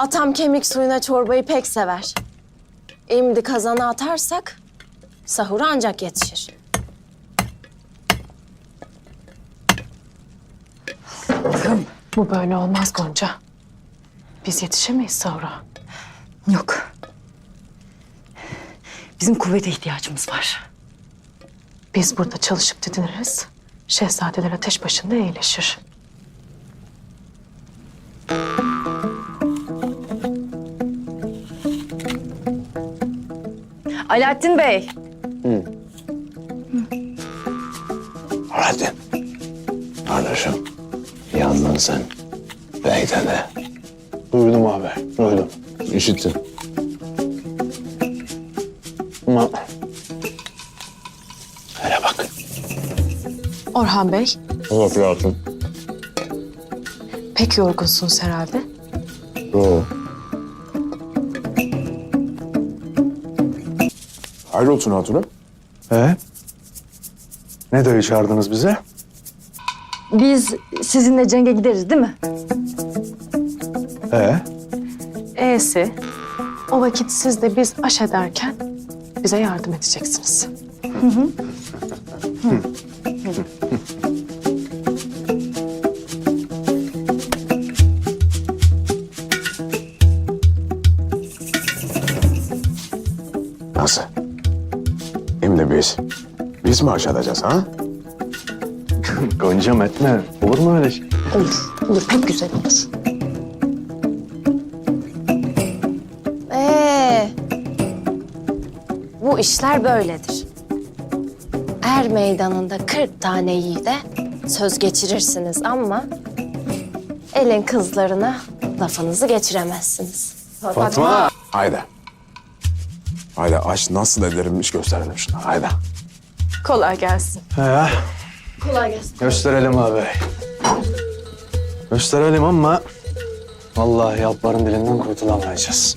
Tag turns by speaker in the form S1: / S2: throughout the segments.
S1: Atam kemik suyuna çorbayı pek sever. Şimdi kazana atarsak sahura ancak yetişir.
S2: Bu böyle olmaz Gonca. Biz yetişemeyiz sahura.
S3: Yok. Bizim kuvvete ihtiyacımız var.
S2: Biz burada çalışıp didiniriz. Şehzadeler ateş başında iyileşir.
S3: Alaaddin Bey.
S4: Hadi. Kardeşim, yandın sen. Bey'de de.
S5: Duydum abi, duydum.
S4: İşittim.
S5: Ama... Hele bak.
S2: Orhan Bey,
S4: Yok hayatım.
S2: pek yorgunsunuz herhalde.
S4: Yok. Hayrolsun hatunu.
S5: Ne dayı çağırdınız bize?
S3: Biz sizinle cenge gideriz değil mi?
S2: E'si, o vakit siz de biz aş ederken bize yardım edeceksiniz.
S4: Nasıl? Şimdi biz mi aşağıdacağız ha?
S5: Goncam etme. Olur mu öyle şey?
S2: Olur, pek güzel olur.
S1: Bu işler böyledir. Er meydanında 40 tane yiğide söz geçirirsiniz ama elin kızlarına lafınızı geçiremezsiniz.
S5: Fatma!
S4: Haydi. Haydi aç nasıl ederimmiş gösterelim şuna. Haydi.
S2: Kolay gelsin.
S1: Kolay gelsin.
S5: Gösterelim abi. Gösterelim ama... Vallahi Yalpar'ın dilinden kurtulamayacağız.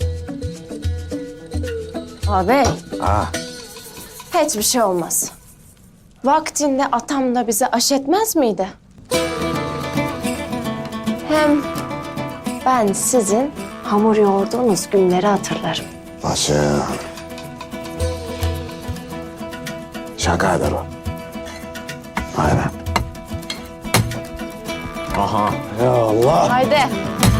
S1: Abi
S4: Ha.
S1: hiçbir şey olmaz. Vaktinde atam da bize aş etmez miydi? Hem ben sizin hamur yoğurduğunuz günleri hatırlarım.
S4: Başım. Şaka eder o. Haydi. Aha.
S5: Ya Allah!
S1: Haydi.